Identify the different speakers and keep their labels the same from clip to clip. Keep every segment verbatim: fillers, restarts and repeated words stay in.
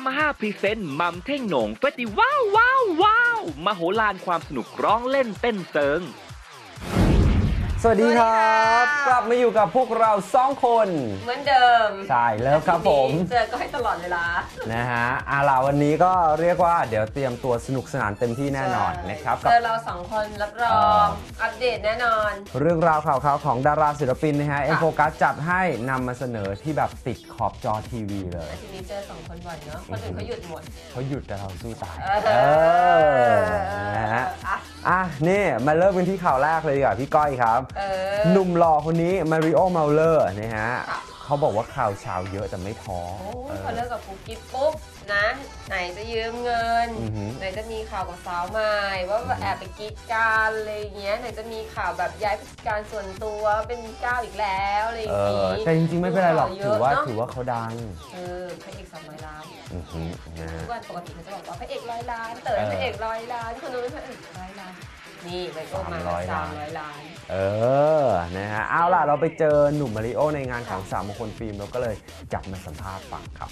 Speaker 1: มาฮ่าพรีเซนต์มัมเท่งโหน่งเฟสติวัลว้าวว้าวมโหฬารความสนุกร้องเล่นเต้นเซิง
Speaker 2: สวัสดีครับกลับมาอยู่กับพวกเราสองคน
Speaker 3: เหมือนเดิม
Speaker 2: ใช่แล้วครับผม
Speaker 3: เจอก็ให้ตลอดเวลา
Speaker 2: นะฮะอาล่าวันนี้ก็เรียกว่าเดี๋ยวเตรียมตัวสนุกสนานเต็มที่แน่นอนนะครับ
Speaker 3: เจอเราสองคนรับรองอัปเดตแน่นอน
Speaker 2: เรื่องราวข่าวๆของดาราศิลปินนะฮะเอ็มโฟกัสจัดให้นำมาเสนอที่แบบติดขอบจอทีวีเลย
Speaker 3: ทีนี้เจอสองคนบ่อยเนาะคนอื่นเขาหยุดหมด
Speaker 2: เขาหยุดแต่เราสู้ตายเออนะฮะอ่ะนี่มาเริ่มกันที่ข่าวแรกเลยดีกว่าพี่ก้อยครับหนุ่มหล่อคนนี้มาริโอ เมาเลอร์นะฮะเขาบอกว่าข่าวเช้าเยอะแต่ไม่ท้อ
Speaker 3: เขาเลิกกับปุ๊กกิ๊บปุ๊บนะไหนจะยืมเงินไหนจะมีข่าวกับสาวใหม่ว่าแอบไปกิ๊กกันอะไรเงี้ยไหนจะมีข่าวแบบย้ายผู้จัดการส่วนตัวเป็นก้าวอีกแล้วอะไรอย่างงี้
Speaker 2: แต่จริงๆไม่เป็นไรหรอกถือว่าถือว่าเขาดัง
Speaker 3: เออพระเอกสามร้อยล้านทุกวันปกติเขาจะบอกว่าพระเอกร้อยล้านเต๋อพระเอกร้อยล้านคนนู้นพระเอกร้อยล้านนี่ไปโอมาสามร้อยล้าน
Speaker 2: เออนะฮะเอาล่ะเราไปเจอหนุ่มมาริโอในงานของสามมงคลฟิล์มเราก็เลยจับมาสัมภาษณ์ฟังครับ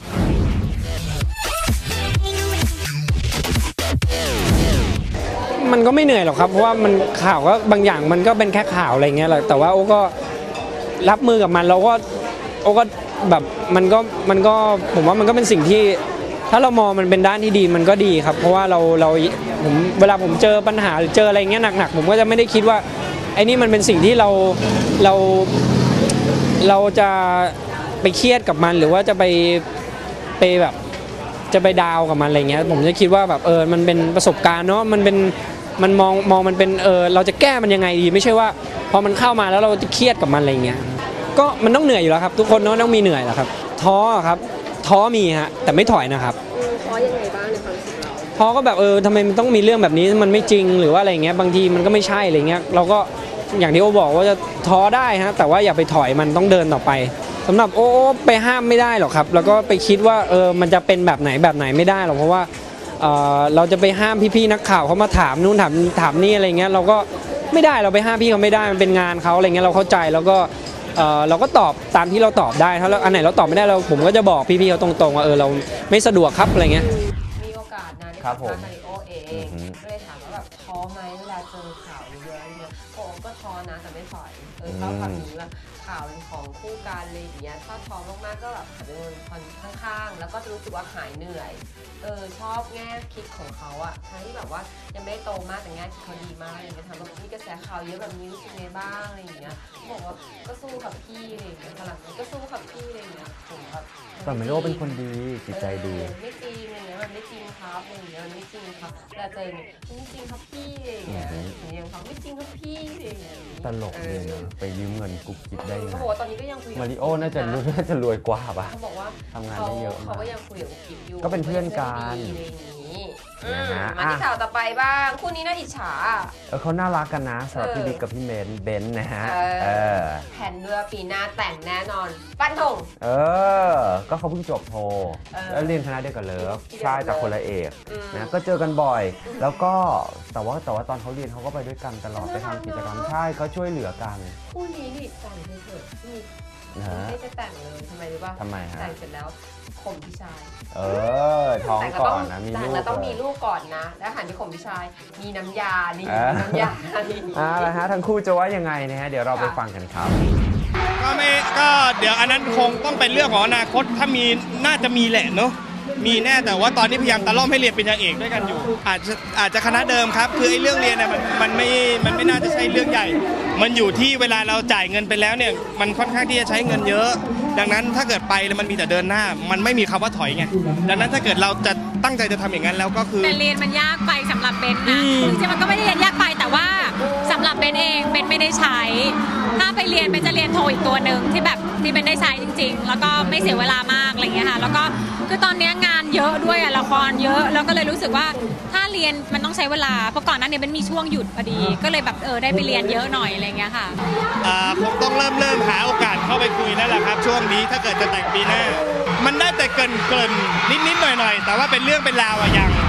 Speaker 4: มันก็ไม่เหนื่อยหรอกครับเพราะว่ามันข่าวก็บางอย่างมันก็เป็นแค่ข่าวอะไรเงี้ยแหละแต่ว่าโอ้ก็รับมือกับมันเราก็โอ้ก็แบบมันก็มันก็ผมว่ามันก็เป็นสิ่งที่ถ้าเรามองมันเป็นด้านที่ดีมันก็ดีครับเพราะว่าเราเราผมเวลาผมเจอปัญหาหรือเจออะไรเงี้ยหนักๆผมก็จะไม่ได้คิดว่าไอ้นี่มันเป็นสิ่งที่เราเราเราจะไปเครียดกับมันหรือว่าจะไปไปแบบจะไปดาวกับมันอะไรเงี้ยผมจะคิดว่าแบบเออมันเป็นประสบการณ์เนาะมันเป็นมันมองมองมันเป็นเออเราจะแก้มันยังไงดีไม่ใช่ว่าพอมันเข้ามาแล้วเราจะเครียดกับมันอะไรเงี้ยก็มันต้องเหนื่อยอยู่แล้วครับทุกคนเนาะต้องมีเหนื่อยแหละครับท้อครับท้อมีฮะแต่ไม่ถอยนะครับ
Speaker 3: ท้อยังไงบ้างในความรู้สึกเรา
Speaker 4: ท้อก็แบบเออทำไมมันต้องมีเรื่องแบบนี้มันไม่จริงหรือว่าอะไรเงี้ยบางทีมันก็ไม่ใช่อะไรเงี้ยเราก็อย่างที่โอบอกว่าจะท้อได้ฮะแต่ว่าอย่าไปถอยมันต้องเดินต่อไปสำหรับโอ้ไปห้ามไม่ได้หรอกครับแล้วก็ไปคิดว่าเออมันจะเป็นแบบไหนแบบไหนไม่ได้หรอกเพราะว่าเออเราจะไปห้ามพี่ๆนักข่าวเขามาถามนู่นถามถามนี่อะไรเงี้ยเราก็ไม่ได้เราไปห้ามพี่เขาไม่ได้มันเป็นงานเขาอะไรเงี้ยเราเข้าใจแล้วก็เออเราก็ตอบตามที่เราตอบได้ถ้าอันไหนเราตอบไม่ได้เราผมก็จะบอกพี่ๆเขาตรงๆว่าเออเราไม่สะดวกครับอะไรเงี้ย
Speaker 3: มีโอกาสนะที่ทำมาริโอเองก็เลยถามว่าแบบท้อไหมเวลาเจอข่าวเยอะๆเนี่ยโอ้ก็ท้อนะแต่ไม่ถอยเออเขาทำอย่างนี้แบบข่าวเป็นของคู่กันเลยอย่างเงี้ยถ้าท้อมากๆก็แบบหันไปมองคนข้างๆแล้วก็จะรู้สึกว่าหายเหนื่อยเออชอบแง่คิดของเขาอะทั้งที่แบบว่ายังไม่โตมากแต่แง่คิดเขาดีมากอย่างเงี้ยถามว่ามีกระแสข่าวเยอะแบบนี้รู้สึกไงบ้างอะไรอย่างเงี้ยเขาบอกว่าก็สู้กับพี่อะไรอย่างเงี้ยหลังนี้ก็สู้กับพี่อะไรอย่างเงี้ยผมแบบ
Speaker 2: แต่มาริโอเป็นคนดีจิตใจดี
Speaker 3: ไม่จริงอะไรเงี้ยมันไม่จริงครับอะไรอย่างเงี้ยมันไม่จริงครับแต่เจอเนี่ยไม่จริงครับพี่อะไรอย่างเงี้ยอย่างเขาไม่จริงครับพี่อะไรอย่างเงี้ย
Speaker 2: ตลกเลยนะไปยืมเงินกุ๊กกิ๊บได้ไง
Speaker 3: เขาบอกว่าตอนนี้ก็ยังคุย
Speaker 2: มาริโอน่าจะรู้น่าจะรวยกว่าป่ะ
Speaker 3: เขาบอกว่า
Speaker 2: ทำงานได้เยอะ
Speaker 3: เขาก็ยังคุยกับกุ๊กกิ๊บอยู่
Speaker 2: ก็เป็นเพื่อนกัน
Speaker 3: มาที่ข่าวต่อไปบ้างคู่นี้น่าอิจฉา
Speaker 2: เออเขาน่ารักกันนะสำหรับพี่บิ๊กกับพี่เบนเบนนะฮะ
Speaker 3: แผนเรือปีหน้าแต่งแน่นอนปั้นธง
Speaker 2: เออก็เขาเพิ่งจบโทแล้วเรียนคณะเดียวกันเลยใช่แต่คนละเอกนะก็เจอกันบ่อยแล้วก็แต่ว่าแต่ว่าตอนเขาเรียนเขาก็ไปด้วยกันตลอดไปทำกิจกรรมใช่เขาช่วยเหลือกัน
Speaker 3: คู่นี้นี่แต่งเฉยๆที่ไม่จะแต่งเลยทำไมรู้ป่ะ
Speaker 2: ทำไมฮะ
Speaker 3: แต่งเสร็จแล้วข่มพี่ชาย
Speaker 2: เออท้องก่อนนะมีลูก
Speaker 3: แล้วต้องมีลูกก่อนนะแล้วหันไปข่มพี่ชายมีน้ำยานี่น้ำยา
Speaker 2: อ่าแล้วฮะทั้งคู่จะว่ายังไงนะฮะเดี๋ยวเราไปฟังกันครับ
Speaker 5: ก็ไม่ก็เดี๋ยวอันนั้นคงต้องเป็นเรื่องของอนาคตถ้ามีน่าจะมีแหละเนาะมีแน่แต่ว่าตอนนี้พยายามตะล่อมให้เรียนปริญญาเอกด้วยกันอยู่อาจจะอาจจะคณะเดิมครับคือไอ้เรื่องเรียนเนี่ยมันมันไม่มันไม่น่าจะใช่เรื่องใหญ่มันอยู่ที่เวลาเราจ่ายเงินไปแล้วเนี่ยมันค่อนข้างที่จะใช้เงินเยอะดังนั้นถ้าเกิดไปแล้วมันมีแต่เดินหน้ามันไม่มีคำว่าถอยไงดังนั้นถ้าเกิดเราจะตั้งใจจะทำอย่างนั้นแล้วก็คือ
Speaker 6: แต่เรียนมันยากไปสำหรับเบนนะจริงๆมันก็ไม่ได้เรียนยากไปแต่ว่าสำหรับเบนเองเบนไม่ได้ใช้ถ้าไปเรียนเบนจะเรียนโทอีกตัวหนึ่งที่แบบที่เบนได้ใช้จริงๆแล้วก็ไม่เสียเวลามากอะไรเงี้ยค่ะแล้วก็คือตอนนี้งานเยอะด้วยอะละครเยอะแล้วก็เลยรู้สึกว่าถ้าเรียนมันต้องใช้เวลาเพราะก่อนหน้านี้เบนมีช่วงหยุดพอดีก็เลยแบบเออได้ไปเรียนเยอะหน่อยอะไรเงี้ยค่ะ
Speaker 5: อ่าคงต้องเริ่มเริ่มหาโอกาสเข้าไปคุยแล้วแหละครับช่วงนี้ถ้าเกิดจะแต่งปีหน้ามันได้แต่เกินเกินนิดนิดหน่อยหน่อยแต่ว่าเป็นเรื่องเป็นราวอะยัง
Speaker 2: เขา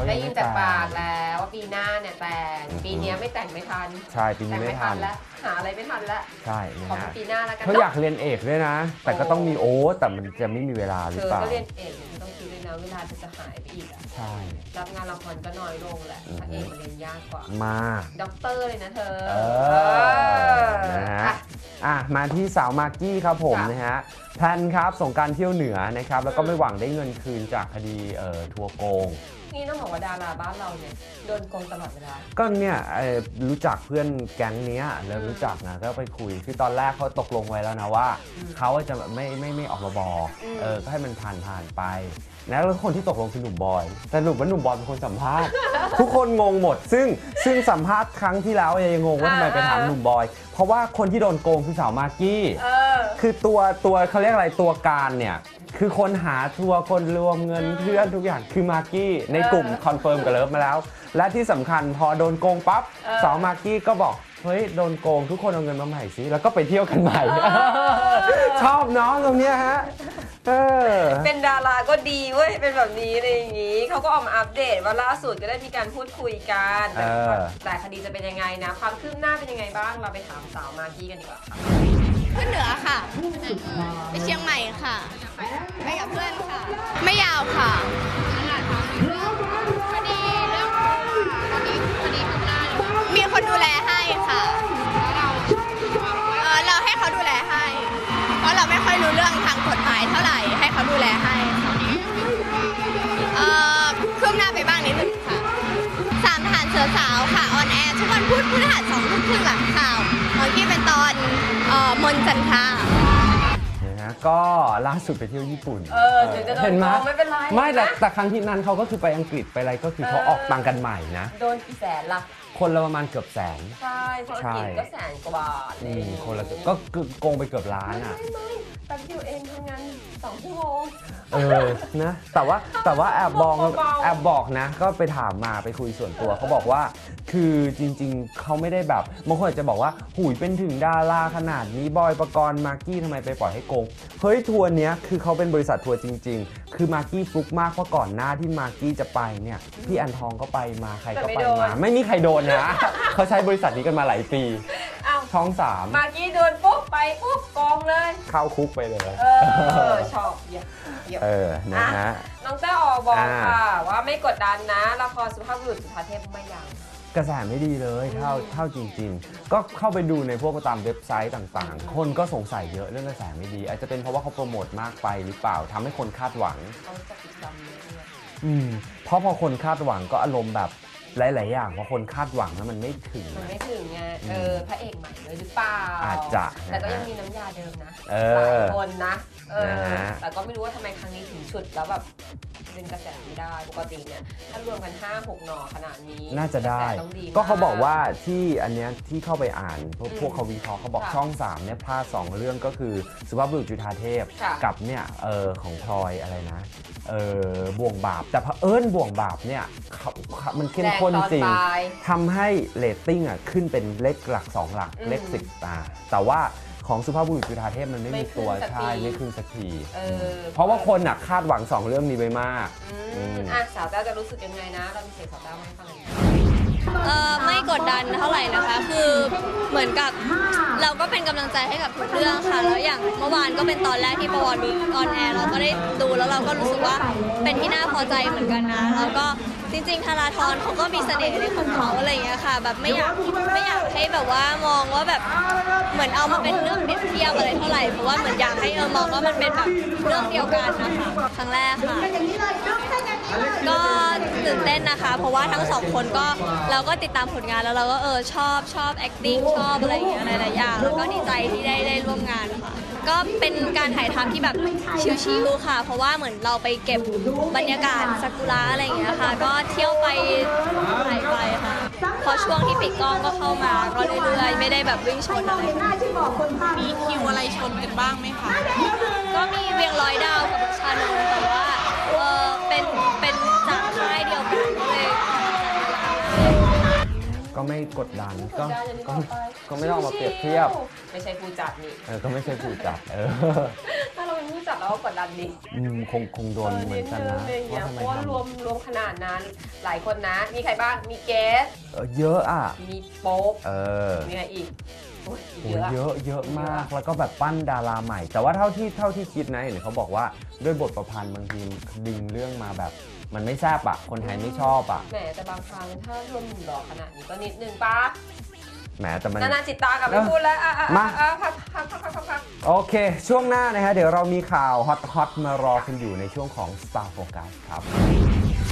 Speaker 2: เขายั
Speaker 3: ได้
Speaker 2: ง
Speaker 3: ยิ
Speaker 2: ไม่
Speaker 3: นจาก
Speaker 2: แต่ง
Speaker 3: ปากแล้วว่าปีหน้าเนี่ยแต่ง
Speaker 2: อือฮึ
Speaker 3: ปีนี้ไม่แต่งไม่ทัน
Speaker 2: ใช่ปีนี้
Speaker 3: แต่ง
Speaker 2: ไม่
Speaker 3: ไม่
Speaker 2: ทั
Speaker 3: ทั
Speaker 2: น
Speaker 3: นแล้วหาอะไรไม่ทันแล้ว
Speaker 2: ใช่นะ
Speaker 3: ขอเป็
Speaker 2: ฮะ
Speaker 3: นปีหน้าแล้วกัน
Speaker 2: เขาอยากเรียนเอกด้วยนะ แต่ก็ต้องมีโอ้แต่มันจะไม่มีเวลาห
Speaker 3: เธ
Speaker 2: รือ
Speaker 3: อ
Speaker 2: เปล่า
Speaker 3: ก็เรียนเอกเนี่ยต้องคิดด้วยนะเวลาจะจะหายไปอีกอะ
Speaker 2: ใช่
Speaker 3: รับงานละครก็น้อยลงแหละพระเอกมันเรียนยากกว่า
Speaker 2: มาก
Speaker 3: ด็อกเตอร์เลยนะเธอ
Speaker 2: เอ
Speaker 3: เอ
Speaker 2: อ
Speaker 3: อ
Speaker 2: นะฮะ
Speaker 3: อ่ะ
Speaker 2: อ่ะมาที่สาวมากกี้ครับผม
Speaker 3: จ้ะ
Speaker 2: นะฮะแพลนครับส่งกรารเที่ยวเหนือนะครับแล้วก็
Speaker 3: อืม
Speaker 2: ไม่หวังได้เงินคืนจากคดีเอ่อทัวร์โกง
Speaker 3: นี่ต้องบอกว่าดาราบ้านเราเนี่ยโดนโกงตลอดเวลา
Speaker 2: ก็เนี่ยเอ่อรู้จักเพื่อนแก๊งเนี้ยเริ่มรู้จักนะก็ไปคุยคือตอนแรกเขาตกลงไว้แล้วนะว่า
Speaker 3: อืม
Speaker 2: เขาจะไม่ไม่ไม่ออกมาบอก
Speaker 3: อืม
Speaker 2: เออก็ให้มันผ่านผ่านไปนะแล้วคนที่ตกลงคือหนุ่มบอยแต่สรุปว่าหนุ่มบอยเป็นคนสัมภาษณ์ ทุกคนงงหมด ซึ่งซึ่งสัมภาษณ์ครั้งที่แล้วยังงงว่าทำไมไปถามหนุ่มบอย เพราะว่าคนที่โดนโกงคือสาวมากกี้
Speaker 3: เออ
Speaker 2: คือตัวตัวเขาเรียกอะไรตัวการเนี่ยคือคนหาทัวร์คนรวมเงินเพื่อนทุกอย่างคือมากกี้ในกลุ่มคอนเฟิร์มกับเลิฟมาแล้ว และที่สำคัญพอโดนโกงปั๊บ
Speaker 3: เออ
Speaker 2: สาวมากกี้ก็บอกเฮ้ยโดนโกงทุกคนเอาเงินมาใหม่สิแล้วก็ไปเที่ยวกันใหม่ ชอบเนาะตรงเนี้ยฮะเออ
Speaker 3: เป็นดาราก็ดีเว้ยเป็นแบบนี้อะไรอย่างงี้เขาก็ออกมาอัปเดตว่าล่าสุดก็ได้มีการพูดคุยกันแต่
Speaker 2: เออ
Speaker 3: แต่คดีจะเป็นยังไงนะ ความคืบหน้าเป็นยังไงบ้างเราไปถามสาวมากกี้กันดีกว่าค่ะ
Speaker 7: ขึ้นเหนือค่ะ ไปเชียงใหม่ค่ะ ไปกับเพื่อนค่ะ ไม่ยาวค่ะพอดีเรื่องพอดีพอดีขึ้นหน้ามีคนดูแลให้ค่ะเออเราให้เขาดูแลให้ เพราะเราไม่ค่อยรู้เรื่องทางกฎหมายเท่าไหร่ให้เขาดูแลให้ค่ะเออคืบหน้าไปบ้างนิดนึงค่ะสามทหารเสือสาวค่ะออนแอร์ทุกวันพุธพฤหัสสองทุ่มครึ่งหลังข่าวของที่เป็นตอนเอ่อมนต์จันทรา
Speaker 2: นะฮะก็ล่าสุดไปเที่ยวญี่ปุ่น
Speaker 3: เออถึงจะโดน
Speaker 2: เห็นไหม
Speaker 3: โกงไม่เป็นไร
Speaker 2: ไม่แต่แต่ครั้งที่นั้นเขาก็คือไปอังกฤษไปอะไรก็คือเขา
Speaker 3: เออ
Speaker 2: ออกตังค์กันใหม่นะ
Speaker 3: โดนกี่แสนล่ะ
Speaker 2: คนละประมาณเกือบแสน
Speaker 3: ใช่เพราะอังกฤษก็แสนกว่าบาท
Speaker 2: อืมคนละก็คือโกงไปเกือบล้าน
Speaker 3: ไม่
Speaker 2: อ่ะ
Speaker 3: ไม่ไม่แป๊บเดียวเองทำงานสองชั่วโมง
Speaker 2: เออ นะ แต่ว่าแต่ว่าแอบบอก
Speaker 3: เบาๆ
Speaker 2: แอบบอกนะ ก็ไปถามมาไปคุยส่วนตัวเขาบอกว่า คือจริงๆ เขาไม่ได้แบบบางคนอาจจะบอกว่าหุยเป็นถึงดาราขนาดนี้บอยปกรณ์มากกี้ทำไมไปปล่อยให้โกง เฮ้ยทัวร์เนี้ยคือเขาเป็นบริษัททัวร์จริง ๆ คือมากกี้ฟลุกมากเพราะก่อนหน้าที่มากกี้จะไปเนี่ยพี่อันทองก็ไปมาใครก็ไปมา ไม่มีใครโดนนะ เขาใช้บริษัทนี้กันมาหลายปี
Speaker 3: เอ้า
Speaker 2: ช่องสาม
Speaker 3: มากกี้โดนปุ๊บไปปุ๊บกองเลย
Speaker 2: เข้าคุกไปเลย
Speaker 3: เออ ชอบเยี่ยมเยี่ยม
Speaker 2: เออนะฮะ
Speaker 3: น้องเต้าออกบอก
Speaker 2: อ่า
Speaker 3: ค่ะ ว่าไม่กดดันนะ ละครสุภาพบุรุษจุฑาเทพไม่ยัง
Speaker 2: กระแสไม่ดีเลยเท่าเท่าจริง ๆ ก็เข้าไปดูในพวกตามเว็บไซต์ต่างๆ คนก็สงสัยเยอะเรื่องกระแสไม่ดี อาจจะเป็นเพราะว่าเขาโปรโมทมากไปหรือเปล่าทำให้คนคาดหวัง
Speaker 3: เขาจะปิดจำเยอะด้วย
Speaker 2: อืมเพราะพอคนคาดหวังก็อารมณ์แบบหลาย ๆ อย่างพอคนคาดหวังแล้วมันไม่ถึง
Speaker 3: มันไม่ถึงไง เออ พระเอกใหม่เลยหรือเปล่า
Speaker 2: อาจจะ
Speaker 3: แต่ก็
Speaker 2: นะฮะ
Speaker 3: ยังมีน้ำยาเดิมนะ
Speaker 2: เอ
Speaker 3: หลา
Speaker 2: อ
Speaker 3: ยคนนะ เออ
Speaker 2: นะฮะ
Speaker 3: แต่ก็ไม่รู้ว่าทำไมครั้งนี้ถึงฉุดแล้วแบบดึงกระแสไม่ได้ ปกติเนี่ย ถ้ารวมกัน ห้าหก หน่อขนาดนี้
Speaker 2: น่าจะได้
Speaker 3: กรแสต้องดีม
Speaker 2: ก็เขาบอกว่าที่อันเนี้ยที่เข้าไปอ่านพวก
Speaker 3: อืม
Speaker 2: พวกเขาวิเคราะห์เขาบอก
Speaker 3: ค่ะ
Speaker 2: ช่องสามเนี่ยพลาดสองเรื่องก็คือสุภาพบุรุษจุฑาเทพ
Speaker 3: ค่ะ
Speaker 2: กับเนี่ยเออของพลอยอะไรนะเออบ่วงบาปแต่เผอิญบ่วงบาปเนี่ยเขาเขามันเข้มข้นจริง
Speaker 3: แตอนปลาย
Speaker 2: ทำให้เรตติ้งอ่ะขึ้นเป็นเลขหลักสองหลัก
Speaker 3: อืม
Speaker 2: เลขสิบตาแต่ว่าของสุภาพบุรุษจุฑาเทพมันไม่
Speaker 3: ไม่
Speaker 2: มีตัว
Speaker 3: ขึ้นสัก
Speaker 2: ใช่
Speaker 3: ที
Speaker 2: ไม่ขึ้นสักที
Speaker 3: เออ
Speaker 2: เพราะว่าคนอ่ะคาดหวังสองเรื่องนี้ไปมาก
Speaker 3: อื
Speaker 2: อื
Speaker 3: ม
Speaker 2: ม
Speaker 3: อ่ะสาวเต้าจะรู้สึกยังไงนะ เรามีเสียงสาวเต้ามาให้ฟังหน่อย
Speaker 7: เออไม่กดดันเท่าไหร่นะคะ คือเหมือนกับเราก็เป็นกำลังใจให้กับทุกเรื่องค่ะ แล้วอย่างเมื่อวานก็เป็นตอนแรกที่ประวัติออนแอร์เราก็ได้ดูแล้วเราก็รู้สึกว่าเป็นที่น่าพอใจเหมือนกันนะ แล้วก็จริงๆธาราธรเขาก็มีเสน่ห์ในของเขาอะไรอย่างเงี้ยค่ะ แบบไม่อยากไม่อยากให้แบบว่ามองว่าแบบเหมือนเอามาเป็นเรื่องเปรียบเทียบอะไรเท่าไหร่ เพราะว่าเหมือนอยากให้เออมองว่ามันเป็นแบบเรื่องเดียวกันนะคะครั้งแรกค่ะ ก็ตื่นเต้นนะคะ เพราะว่าทั้งสองคนก็เราก็ติดตามผลงานแล้วเราก็เออชอบชอบ acting ชอบอะไรอย่างเงี้ยหลายๆอย่างแล้วก็ดีใจที่ได้ได้ร่วมงานค่ะ ก็เป็นการถ่ายทำที่แบบชิลๆค่ะ เพราะว่าเหมือนเราไปเก็บบรรยากาศซากุระอะไรอย่างเงี้ยค่ะ ก็เที่ยวไปถ่ายไปค่ะพอช่วงที่ปิดกล้องก็เข้ามาก็เรื่อยๆไม่ได้แบบวิ่งชนอะไร
Speaker 8: มีคิวอะไรชนกันบ้างไหมคะ
Speaker 7: ก็มีเวียงร้อยดาวกับชานนท์แต่ว่าเออเป็นเป็นจากค่ายเดียวกันก็เลย
Speaker 2: ก็ไม่กดดันก็
Speaker 3: กดดันอย่างที่
Speaker 2: ก็
Speaker 3: บอกไป
Speaker 2: ก็ไม่ต้องเอามาเปรียบเทียบ
Speaker 3: ไม่ใช่ผู้จัดนี่
Speaker 2: เออก็ไม่ใช่ผู้จัดเออ
Speaker 3: ถ้าเราเป็นเป็นผู้จัดเราก็กดดันดิ
Speaker 2: อืมคงคงโดนเหมือนกันนะ
Speaker 3: อะไรอย่างเงี้ย
Speaker 2: ว่าทำ
Speaker 3: เพ
Speaker 2: ไม
Speaker 3: ราะว่า
Speaker 2: ทำ
Speaker 3: รวมรวมขนาดนั้นหลายคนนะ มีใครบ้างมีเกส
Speaker 2: เออเยอะอ่ะ
Speaker 3: มีโป๊ป
Speaker 2: เออ
Speaker 3: มีใครอีกโอ้ย
Speaker 2: โอ้
Speaker 3: เย
Speaker 2: ย
Speaker 3: อะ
Speaker 2: เยอะเยอะมากแล้วก็แบบปั้นดาราใหม่ แต่ว่าเท่าที่เท่าที่คิดนะเห็นเขาบอกว่าด้วยบทประพันธ์บางทีดึงเรื่องมาแบบ มันไม่แซ่บอ่ะคนไทยไม่ชอบอ่ะ
Speaker 3: แหมแต่บางครั้งถ้ารวมหนุ่มหล่อขนาดนี้ก็นิดนึงปะ
Speaker 2: แหมแต่มัน
Speaker 3: นานาจิตตากับไม่พูดแล้วอ่ะอ่ะ
Speaker 2: มา
Speaker 3: อ่ะพักพักพักพักพักพัก
Speaker 2: โอเค ช่วงหน้านะฮะเดี๋ยวเรามีข่าวฮอตๆมารอคุณอยู่ในช่วงของ Star Focus ครับ